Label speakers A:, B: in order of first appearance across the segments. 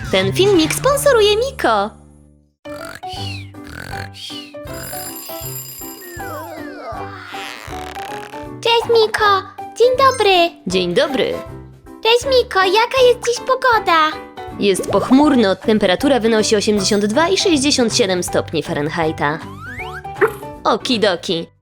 A: Ten filmik sponsoruje Miko.
B: Cześć Miko, dzień dobry.
A: Dzień dobry.
B: Cześć Miko, jaka jest dziś pogoda?
A: Jest pochmurno, temperatura wynosi 82 i 67 stopni Fahrenheita. Okidoki.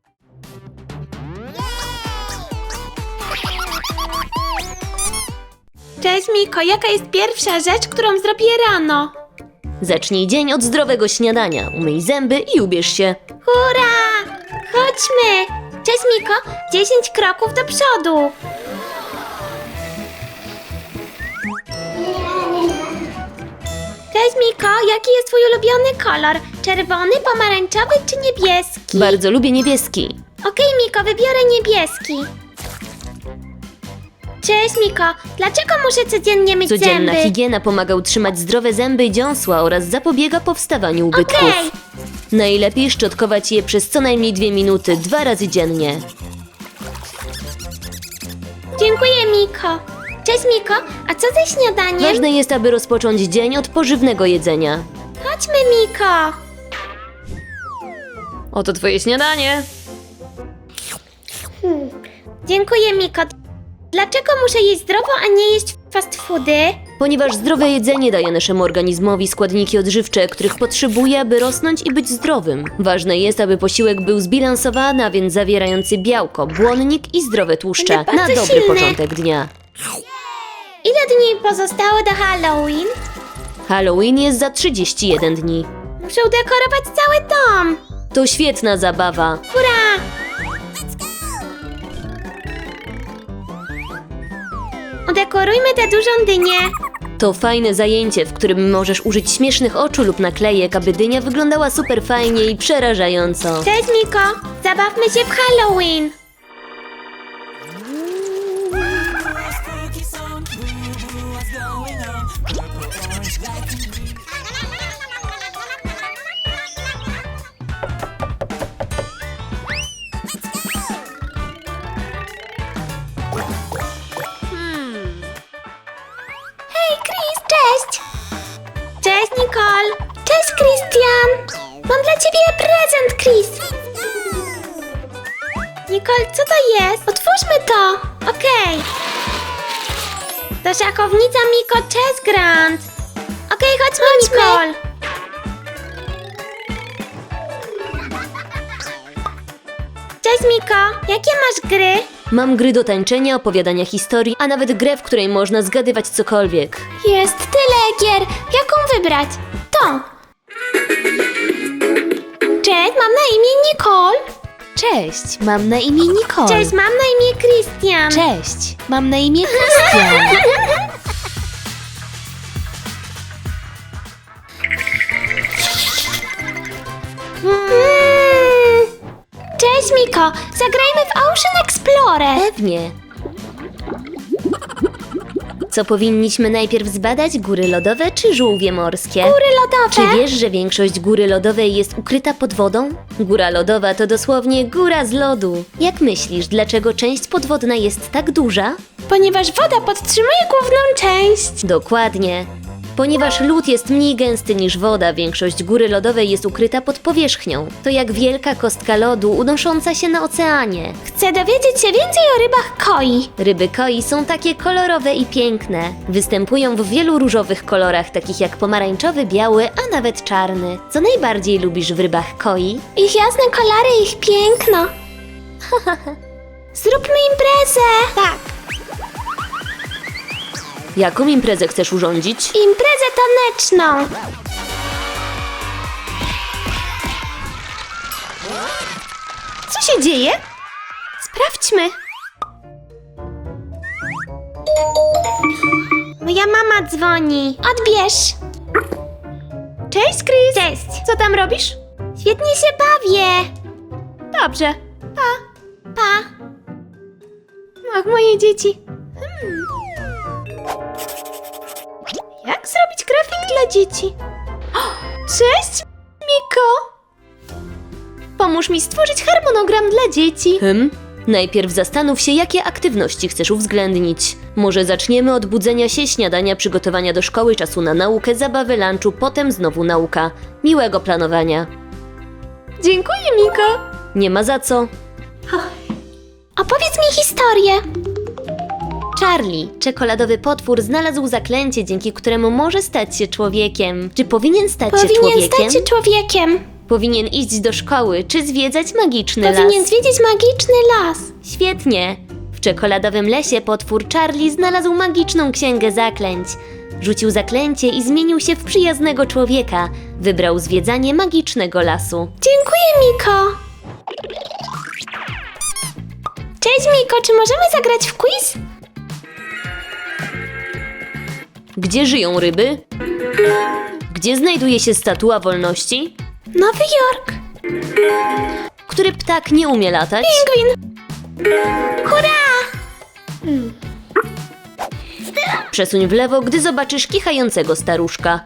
B: Cześć Miko, jaka jest pierwsza rzecz, którą zrobię rano?
A: Zacznij dzień od zdrowego śniadania. Umyj zęby i ubierz się.
B: Hurra! Chodźmy! Cześć Miko, 10 kroków do przodu. Cześć Miko, jaki jest twój ulubiony kolor? Czerwony, pomarańczowy czy niebieski?
A: Bardzo lubię niebieski.
B: Okej Miko, wybiorę niebieski. Cześć Miko, dlaczego muszę codziennie myć
A: Codzienna
B: zęby?
A: higiena pomaga utrzymać zdrowe zęby i dziąsła oraz zapobiega powstawaniu ubytków.
B: Okej.
A: Najlepiej szczotkować je przez co najmniej 2 minuty, 2 razy dziennie.
B: Dziękuję Miko. Cześć Miko, a co ze śniadaniem?
A: Ważne jest, aby rozpocząć dzień od pożywnego jedzenia.
B: Chodźmy Miko.
A: Oto twoje śniadanie.
B: Dziękuję Miko. Dlaczego muszę jeść zdrowo, a nie jeść fast foody?
A: Ponieważ zdrowe jedzenie daje naszemu organizmowi składniki odżywcze, których potrzebuje, aby rosnąć i być zdrowym. Ważne jest, aby posiłek był zbilansowany, a więc zawierający białko, błonnik i zdrowe tłuszcze
B: Będę
A: na
B: bardzo
A: dobry
B: silny.
A: początek dnia.
B: Ile dni pozostało do Halloween?
A: Halloween jest za 31 dni.
B: Muszę udekorować cały dom.
A: To świetna zabawa.
B: Hurra! Udekorujmy tę dużą dynię.
A: To fajne zajęcie, w którym możesz użyć śmiesznych oczu lub naklejek, aby dynia wyglądała super fajnie i przerażająco.
B: Cześć Miko, zabawmy się w Halloween. Hej Chris, cześć! Cześć Nicole! Cześć Christian! Mam dla ciebie prezent, Chris! Nicole, co to jest? Otwórzmy to! Okej. To szachownica Miko Chess Grand. Okej, chodźmy, Nicole! Cześć Miko, jakie masz gry?
A: Mam gry do tańczenia, opowiadania historii, a nawet grę, w której można zgadywać cokolwiek.
B: Jest tyle gier. Jaką wybrać? To. Cześć, mam na imię Nicole.
A: Cześć, mam na imię Nicole.
B: Cześć, mam na imię Christian.
A: Cześć, mam na imię Christian.
B: Cześć Miko, zagrajmy w Ocean Explorer.
A: Pewnie. Co powinniśmy najpierw zbadać? Góry lodowe czy żółwie morskie?
B: Góry lodowe.
A: Czy wiesz, że większość góry lodowej jest ukryta pod wodą? Góra lodowa to dosłownie góra z lodu. Jak myślisz, dlaczego część podwodna jest tak duża?
B: Ponieważ woda podtrzymuje główną część.
A: Dokładnie. Ponieważ lód jest mniej gęsty niż woda, większość góry lodowej jest ukryta pod powierzchnią. To jak wielka kostka lodu unosząca się na oceanie.
B: Chcę dowiedzieć się więcej o rybach koi.
A: Ryby koi są takie kolorowe i piękne. Występują w wielu różowych kolorach, takich jak pomarańczowy, biały, a nawet czarny. Co najbardziej lubisz w rybach koi?
B: Ich jasne kolary, ich piękno. Zróbmy imprezę. Tak.
A: Jaką imprezę chcesz urządzić?
B: Imprezę taneczną.
A: Co się dzieje?
B: Sprawdźmy. Moja mama dzwoni. Odbierz.
A: Cześć, Chris!
B: Cześć.
A: Co tam robisz?
B: Świetnie się bawię.
A: Dobrze.
B: Pa.
A: Ach, moje dzieci. Jak zrobić grafik dla dzieci? Cześć, Miko! Pomóż mi stworzyć harmonogram dla dzieci. Najpierw zastanów się, jakie aktywności chcesz uwzględnić. Może zaczniemy od budzenia się, śniadania, przygotowania do szkoły, czasu na naukę, zabawy, lunchu, potem znowu nauka. Miłego planowania.
B: Dziękuję, Miko.
A: Nie ma za co.
B: Opowiedz mi historię.
A: Charlie, czekoladowy potwór, znalazł zaklęcie, dzięki któremu może stać się człowiekiem. Czy powinien stać się
B: Powinien
A: człowiekiem?
B: stać się człowiekiem.
A: Powinien iść do szkoły, czy zwiedzać magiczny
B: Powinien
A: las?
B: zwiedzić magiczny las.
A: Świetnie! W czekoladowym lesie potwór Charlie znalazł magiczną księgę zaklęć. Rzucił zaklęcie i zmienił się w przyjaznego człowieka. Wybrał zwiedzanie magicznego lasu.
B: Dziękuję, Miko. Cześć, Miko, czy możemy zagrać w quiz?
A: Gdzie żyją ryby? Gdzie znajduje się Statua Wolności?
B: Nowy Jork.
A: Który ptak nie umie latać?
B: Pingwin. Hurra!
A: Przesuń w lewo, gdy zobaczysz kichającego staruszka.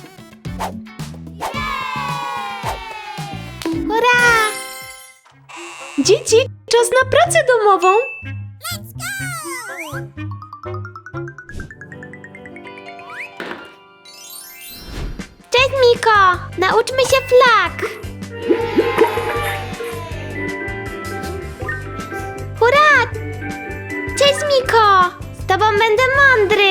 B: Hurra!
A: Dzieci, czas na pracę domową!
B: Cześć, Miko. Nauczmy się flag. Hurra! Cześć, Miko. Z tobą będę mądry.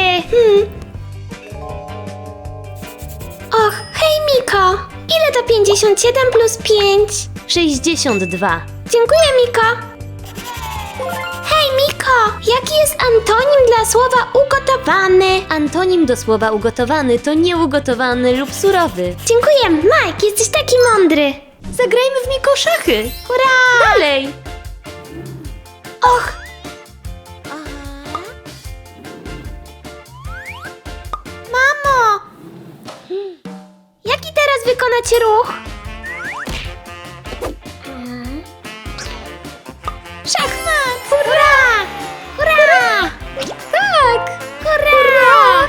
B: Och, hej, Miko. Ile to 57 plus 5?
A: 62.
B: Dziękuję, Miko. Hej, Miko, jaki jest antonim dla słowa ugotowany?
A: Antonim do słowa ugotowany to nieugotowany lub surowy.
B: Dziękuję, Mike, jesteś taki mądry.
A: Zagrajmy w Miko szachy!
B: Hurra!
A: Dalej!
B: Och! Mamo! Jaki teraz wykonać ruch? Szachmat! Hurra! Hurra! Tak! Hurra!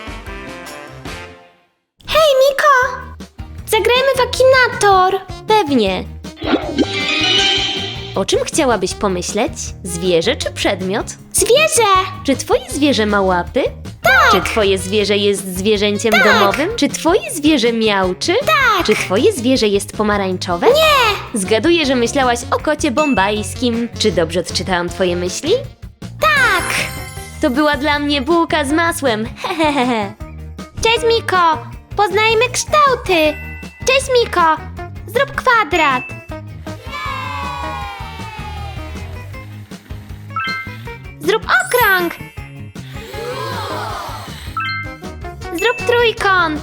B: Hej, Miko! Zagrajmy w Akinator!
A: Pewnie. O czym chciałabyś pomyśleć? Zwierzę czy przedmiot?
B: Zwierzę!
A: Czy twoje zwierzę ma łapy?
B: Tak!
A: Czy twoje zwierzę jest zwierzęciem
B: Tak!
A: domowym? Czy twoje zwierzę miauczy?
B: Tak!
A: Czy twoje zwierzę jest pomarańczowe?
B: Nie!
A: Zgaduję, że myślałaś o kocie bombajskim. Czy dobrze odczytałam twoje myśli?
B: Tak!
A: To była dla mnie bułka z masłem. Hehehe.
B: Cześć, Miko! Poznajmy kształty! Cześć, Miko! Zrób kwadrat! Zrób okrąg! Zrób trójkąt!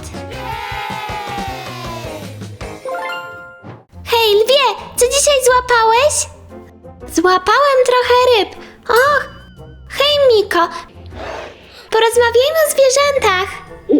B: Hej, lwie! Co dzisiaj złapałeś? Złapałem trochę ryb. Och! Hej, Miko! Porozmawiajmy o zwierzętach!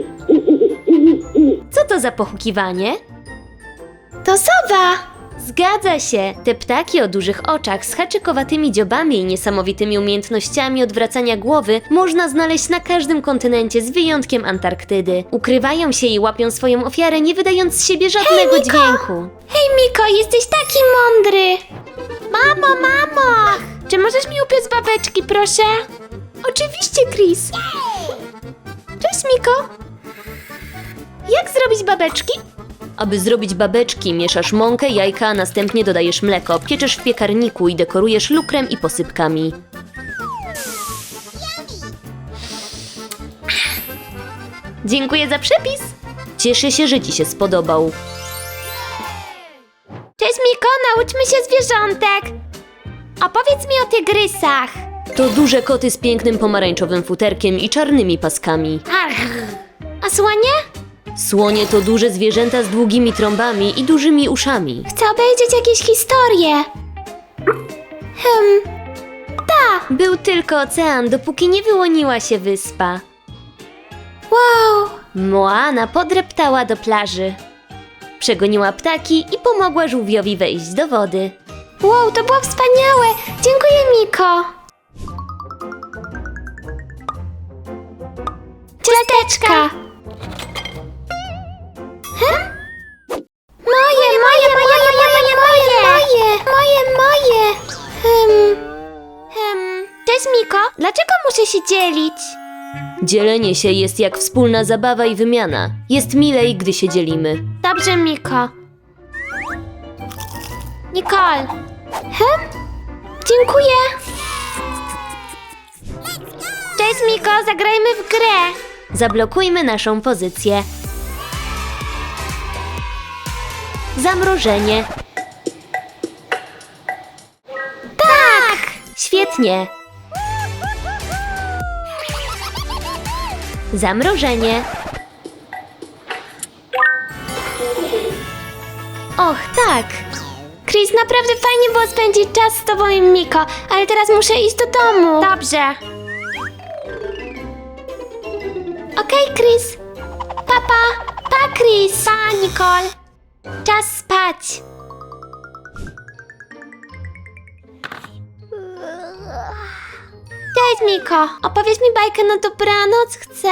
A: Co to za pochukiwanie?
B: To sowa!
A: Zgadza się! Te ptaki o dużych oczach z haczykowatymi dziobami i niesamowitymi umiejętnościami odwracania głowy można znaleźć na każdym kontynencie z wyjątkiem Antarktydy. Ukrywają się i łapią swoją ofiarę, nie wydając z siebie żadnego
B: Miko!
A: dźwięku.
B: Hej, Miko, jesteś taki mądry! Mamo, mamo! Czy możesz mi upiec babeczki, proszę? Oczywiście, Chris! Cześć, Miko! Jak zrobić babeczki?
A: Aby zrobić babeczki, mieszasz mąkę, jajka, a następnie dodajesz mleko, pieczesz w piekarniku i dekorujesz lukrem i posypkami. Dziękuję za przepis! Cieszę się, że ci się spodobał.
B: Cześć, Miko, nauczmy się zwierzątek! Opowiedz mi o tygrysach!
A: To duże koty z pięknym pomarańczowym futerkiem i czarnymi paskami.
B: Arr. A słonie?
A: Słonie to duże zwierzęta z długimi trąbami i dużymi uszami.
B: Chcę obejrzeć jakieś historie.
A: Był tylko ocean, dopóki nie wyłoniła się wyspa.
B: Wow!
A: Moana podreptała do plaży. Przegoniła ptaki i pomogła żółwiowi wejść do wody.
B: Wow, to było wspaniałe! Dziękuję, Miko! Ciasteczka! Moje! Cześć, Miko! Dlaczego muszę się dzielić.
A: Dzielenie się jest jak wspólna zabawa i wymiana. Jest milej, gdy się dzielimy.
B: Dobrze, Miko. Nicole. Dziękuję. Cześć, Miko, zagrajmy w grę.
A: Zablokujmy naszą pozycję. Zamrożenie.
B: Tak!
A: Świetnie. Zamrożenie. Och, tak.
B: Chris, naprawdę fajnie było spędzić czas z tobą i Miko, ale teraz muszę iść do domu. Dobrze. Okej, Chris. Papa. Pa, Chris. Pa, Nicole. Czas spać. Cześć, Miko. Opowiedz mi bajkę na dobranoc, chcę.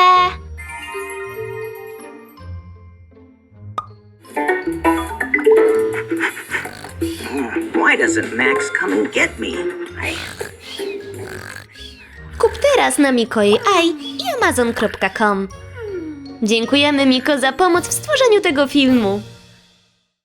C: Why doesn't Max come and get me?
A: Kup teraz na Mikojej i Amazon.com. Dziękujemy, Miko, za pomoc w stworzeniu tego filmu.